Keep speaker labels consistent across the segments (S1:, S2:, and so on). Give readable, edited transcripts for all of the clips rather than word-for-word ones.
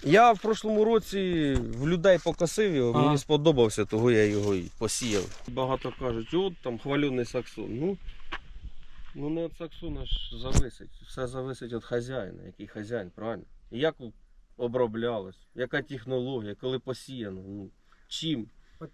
S1: Я в прошлому році в людей покосив його, мені сподобався, того я його і посіяв. Багато кажуть, от там хвалений саксон. Ну не від саксона ж зависить. Все зависить від хазяїна, який хазяїн, правильно? І як оброблялось, яка технологія, коли посіяно, чим.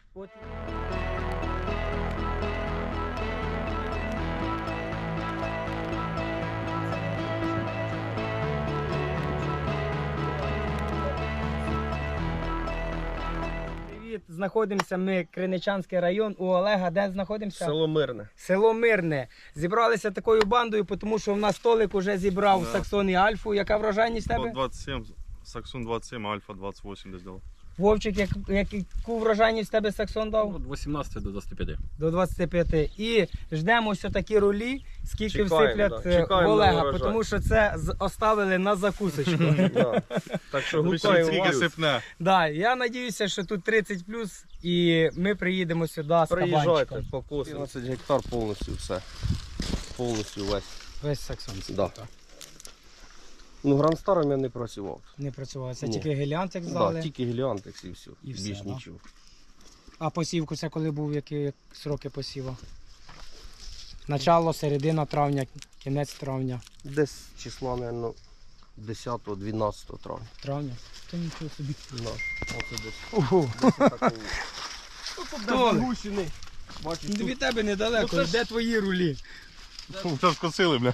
S2: Знаходимося ми, Криничанський район, у Олега. Де знаходимося?
S1: Село Мирне.
S2: Село Мирне. Зібралися такою бандою, тому що в нас Толик уже зібрав Саксон і Альфу. Яка врожайність в тебе?
S3: 27, Саксон 27, Альфа 28 десь дав.
S2: Вовчик, яку врожайність в тебе Саксон дав?
S4: Від 18 до 25.
S2: До 25. І ждемо ось такі рулі, скільки
S1: Чекаємо,
S2: всиплять в Олега, тому що це оставили на закусочку.
S1: Так що
S3: Скільки
S1: гукаю
S3: сипне.
S2: Я сподіваюся, що тут 30+, і ми приїдемо сюди з
S1: приїжджайте,
S2: кабанчиком.
S1: покосимо. 15 гектар повністю все. Повністю весь.
S2: Весь Саксон.
S1: Да. Грандстаром я не працював.
S2: Не працював. Це
S1: Ні.
S2: тільки геліантик здали.
S1: Да, тільки геліантекс і все.
S2: І все,
S1: Більш
S2: да?
S1: нічого.
S2: А посівку це коли був, які сроки посіву? Начало, середина травня, кінець травня.
S1: Десь числа, мабуть, 10-12 травня.
S2: Травня? То нічого собі.
S1: Да. Оце десь.
S2: Ого.
S1: Тут
S2: Толик.
S1: загущений. Бачиш,
S2: Від тебе недалеко.
S1: Ну, це ж-
S2: Де твої рулі?
S3: Це скосили, бля.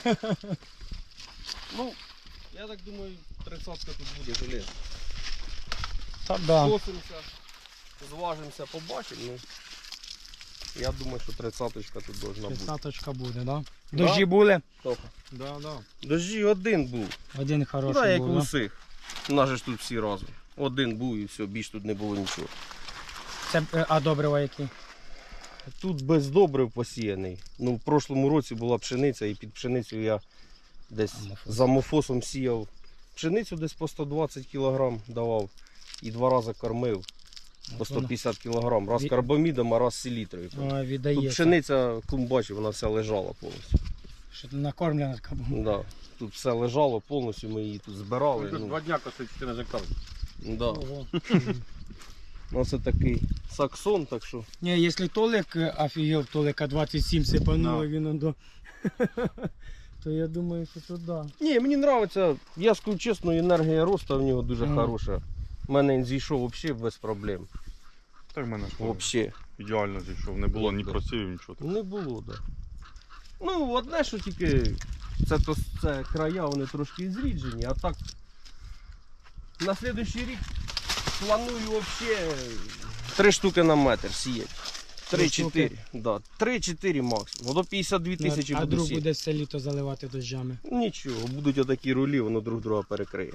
S1: я так думаю, 30-ка тут буде железо.
S2: Так, да.
S1: Скосимося, зважимося, побачимо. Я думаю, що 30-ка тут должна бути.
S2: 30-очка буде, да? Дощі були?
S3: Да.
S1: Дожді один був.
S2: Один хороший
S1: Так, як
S2: був,
S1: у
S2: да?
S1: всіх. У нас же ж тут всі разом. Один був і все, більш тут не було нічого.
S2: Це, а добрива які?
S1: Тут без добрив посіяний. В прошлому році була пшениця, і під пшеницю я десь за мофосом сіяв пшеницю, десь по 120 кг давав і 2 рази кормив по 150 кг. Раз карбамідом, а раз селітрою. Тут
S2: Віддається.
S1: пшениця, бачив, вона вся лежала повністю.
S2: Що накормлена така була.
S1: Да. Тут все лежало повністю, ми її тут збирали.
S3: Два дня косить 14 гектар.
S1: Да.
S2: Ого.
S1: Оце такий саксон, так що.
S2: Ні, якщо Толик офігел, Толика 27 сипануло, він до... то я думаю, що туди.
S1: Ні, мені подобається, я скажу чесно, енергія росту в нього дуже хороша. У мене він зійшов взагалі без проблем.
S3: Так в мене ж
S1: Взагалі.
S3: ідеально зійшов. Не було ні просівів, нічого.
S1: Не було, так. Да. Одне, що тільки це края, вони трошки зріджені, а так на наступний рік планую взагалі 3 штуки на метр сіяти. 3-4. Да. 3-4 максимум. До 52 тисячі
S2: А
S1: буду
S2: друг
S1: сіяти.
S2: буде все літо заливати дощами.
S1: Нічого, будуть отакі рулі, воно друг друга перекриє.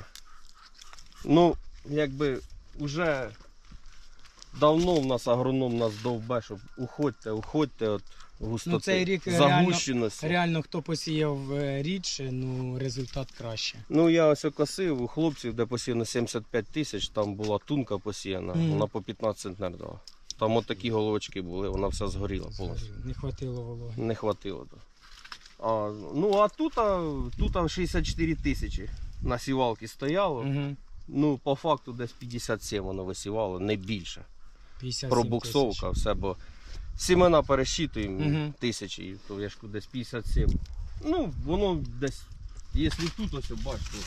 S1: Якби вже давно в нас агроном нас довбе, щоб уходьте від густоти,
S2: Цей рік
S1: загущеності.
S2: реально хто посіяв рідше, результат краще.
S1: Я ось косив у хлопців, де посіяно 75 тисяч, там була тунка посіяна, вона по 15 центнер дала. Там от такі головочки були, вона вся згоріла повністю.
S2: Не хватило вологи.
S1: Не хватило. Да. А тут 64 тисячі на сівалці стояло.
S2: Угу.
S1: По факту десь 57 воно висівало, не більше.
S2: 57
S1: Пробуксовка, все, бо сімена пересчитуємо
S2: Угу.
S1: тисячі, то я ж кажу, десь 57. Воно десь, якщо тут ось бачите,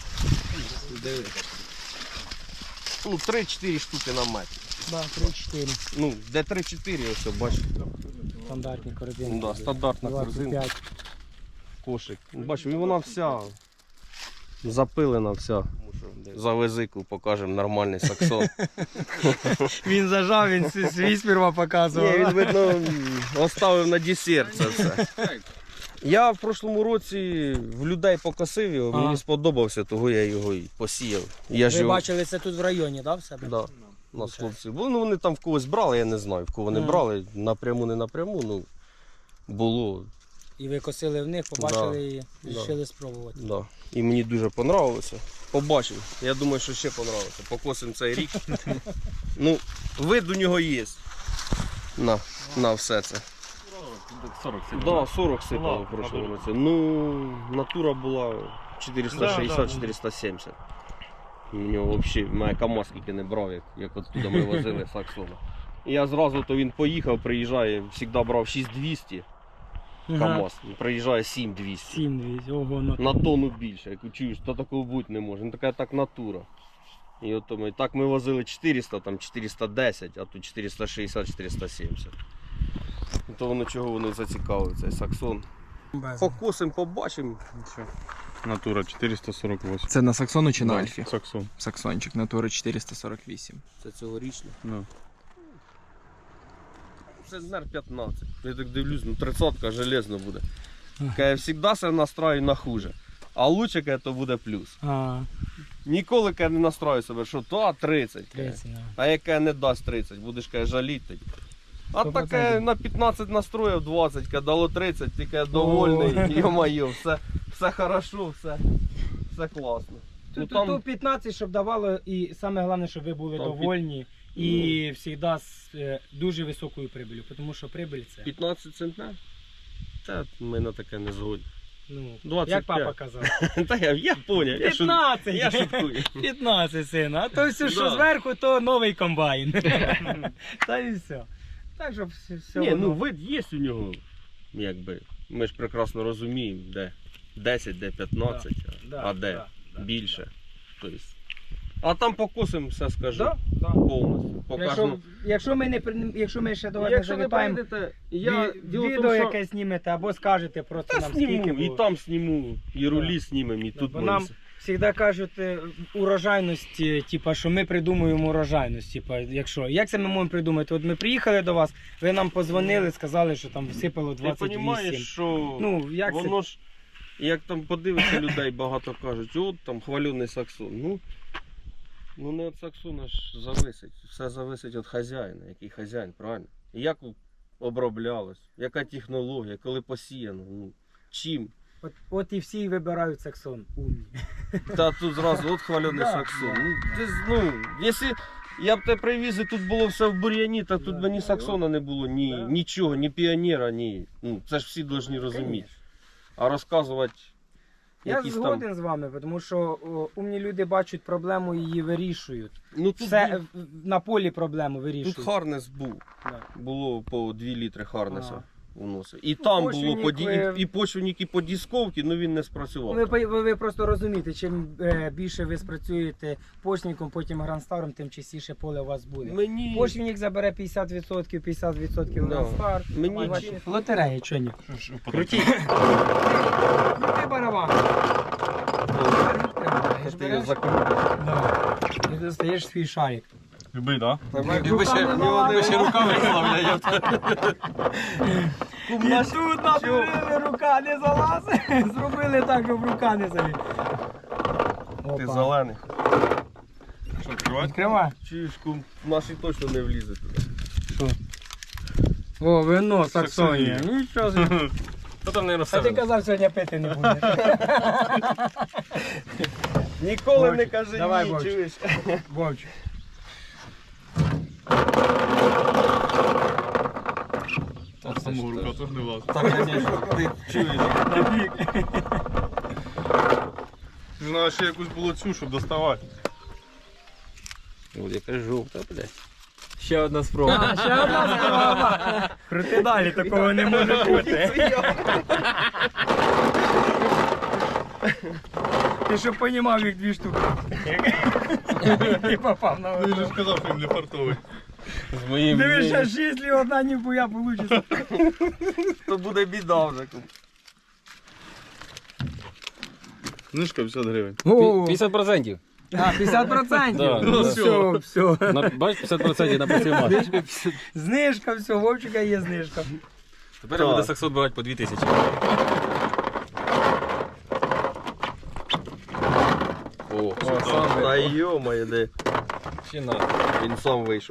S1: 3-4 штуки на метр.
S2: Да, 3-4.
S1: Де 3-4, ось бачите.
S2: Стандартні корзини.
S1: Да, стандартна корзина,
S2: 25.
S1: кошик. Бачу, і вона вся запилена, вся. За визику покажемо нормальний саксон.
S2: Він зажав, він свій сперва показував.
S1: Ні, він, видно, оставив на десерт це все. Я в прошлому році в людей покосив його, мені сподобався, того я його і посіяв.
S2: Ви бачили це тут в районі, так, в себе?
S1: Да. У нас хлопці були, вони там в когось брали, я не знаю, в кого вони брали, напряму, не напряму, було.
S2: І ви косили в них, побачили і
S1: Да.
S2: вирішили спробувати.
S1: Да. І мені дуже понравилося. Побачив. Я думаю, що ще понравилося. Покосимо цей рік. Вид у нього є. На все це.
S3: 40
S1: Да, 40 сипало в прошлому році. Натура була 460-470. У нього взагалі мене КамАЗ скільки не брав, як оттуда ми возили Саксона. І я зразу то він поїхав, приїжджає, завжди брав 6200 КамАЗ, приїжджає 7200.
S2: 7-200, ого, ну.
S1: На тонну більше. Я чуєш, то такого бути не може. Ну така так натура. І от так ми возили 400, там 410, а тут 460-470. То воно чого воно зацікавив, цей Саксон. Покосим, побачимо.
S3: Натура 448.
S4: Це на Саксону чи на
S3: Да,
S4: Альфі?
S3: Саксон.
S4: Саксончик, натура 448.
S1: Це цьогорічно.
S3: Ну.
S1: Це НР 15. Я так дивлюсь, ну 30-ка железно буде. Я завжди себе настраю на хуже. А лучше каже, то буде плюс.
S2: А,
S1: Ніколи каже, не настрою себе, що то 30. каже.
S2: 30, да.
S1: А яке не дасть 30, будеш каже, жаліти тоді. А
S2: 100%.
S1: таке на 15 настроїв 20, каже, дало 30, ти каже, довольний, йо-моє, все хорошо, все класно. Ну,
S2: Тут, тут 15, щоб давало, і саме головне, щоб ви були
S1: Там
S2: довольні і завжди з дуже високою прибилю, тому що прибиль це,
S1: 15 центнер? Та ми на таке не згодні.
S2: ну,
S1: 25.
S2: як папа казав,
S1: Та я поняв, я
S2: 15!
S1: шуткую.
S2: 15, сина, а то все, що
S1: Да.
S2: зверху, то новий комбайн. Та і все. Так, щоб все
S1: Ні, ну
S2: воно-
S1: вид є у нього, якби. Ми ж прекрасно розуміємо, де 10, де 15,
S2: Да,
S1: а де
S2: да, да,
S1: більше. Тобто. А там покосимо все скажу.
S2: Да, да.
S1: Повністю. Покажемо.
S2: Якщо ми ще до вас не
S1: Якщо не
S2: завітаємо,
S1: прийдете, я діло в
S2: відео
S1: тому, що
S2: якесь знімете або скажете просто
S1: та
S2: нам скільки
S1: сніму, і
S2: було.
S1: там сніму, і рулі
S2: Да.
S1: знімемо, і
S2: Да,
S1: тут
S2: бо нам завжди кажуть урожайність, типа, що ми придумуємо урожайність. Типа, якщо, як це ми можемо придумати? От ми приїхали до вас, ви нам позвонили, сказали, що там всипало
S1: Ти
S2: 28.
S1: розумієш, що
S2: Ну, як це?
S1: воно ж, як там подивишся людей, багато кажуть, от там хвалений Саксон. Ну не від Саксона ж зависить. Все зависить від хазяїна, який хазяїн, правильно? І як оброблялось, яка технологія, коли посіяно, ну, чим.
S2: От і всі вибирають Саксон. Умні.
S1: Та тут зразу от хвалений
S2: Да,
S1: Саксон.
S2: да.
S1: Ну, ти, якщо я б тебе привіз і тут було все в бур'яні, так тут
S2: Да,
S1: би ні
S2: да,
S1: Саксона не було, ні
S2: Да.
S1: нічого, ні піонера, ні. Ну, це ж всі повинні розуміти. А розказувати.
S2: Я
S1: якісь
S2: згоден з вами, тому що умні люди бачать проблему і її вирішують.
S1: Ну тут,
S2: Все на полі проблему вирішують.
S1: тут Харнес був.
S2: Да.
S1: Було по 2 літри Харнеса
S2: Ага.
S1: вносив. І там було
S2: почвенник
S1: по
S2: ви-
S1: і почвенник, і по дисковці, ну він не спрацював.
S2: Ви просто розумієте, чим більше ви спрацюєте почвенником, потім грандстаром, тим частіше поле у вас буде.
S1: Мені
S2: Почвенник забере 50%, 50%
S1: Да.
S2: грандстар.
S1: Мені
S2: А ваші
S1: чи-
S2: лотереї, що ні?
S3: Крутіть.
S2: Крути барабан.
S1: Це ти його закрутиш.
S2: Да. І достаєш свій шарик.
S3: Любий, так?
S2: Якби ще
S3: руками славляє.
S2: І тут надурили, рука не залазить. Зробили так, щоб рука не заліз.
S1: Ти
S2: Опа.
S1: зелений.
S3: Що, відкривати?
S2: Відкривай.
S1: Чуєш, кум, наші точно не влізе туди.
S2: О, вино,
S3: Саксонія.
S2: Нічого собі.
S3: Та там, мабуть,
S2: А ти казав, сьогодні пити не будеш.
S1: Ніколи
S2: Вовчик,
S1: не кажи
S2: давай,
S1: ні,
S2: Вовчик.
S1: чуєш?
S2: Вовчик.
S3: Там самого рука теж не влазить.
S1: Так, звісно, ти чуєш.
S3: Ти знаєш, ще якусь було цю, щоб доставати.
S1: Ось яка жовта, блядь.
S4: Ще одна спроба.
S2: Ще одна спроба. Крути далі, такого не може бути. Ти щоб понімав, їх 2 штуки. Ти попав на
S3: Ти ж
S2: одну.
S3: сказав, що він не фартовий.
S1: З моїм
S2: Дивись,
S1: мненням.
S2: ще 6 і одна ніхуя вийде.
S1: То буде біда вже. кум.
S3: Книжка 50 гривень.
S5: 50%.
S2: А, 50%?
S5: Да,
S2: Ну
S5: да.
S2: все.
S5: Бачиш, 50% на працювати.
S2: Знижка, все, Вовчика є знижка.
S5: Тепер
S1: Так.
S5: буде Саксон брати по 2000.
S1: О, та йо-моє, де.
S5: Ще на.
S1: Він сам вийшов.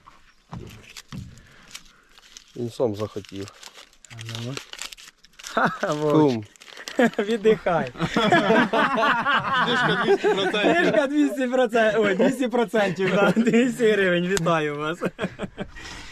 S1: Він сам захотів.
S2: Ха-ха, Вовчик.
S1: Кум,
S2: Віддихай.
S3: Книжка 200%.
S2: Знижка 200%, ой, 200%, да, 200 гривень, вітаю вас.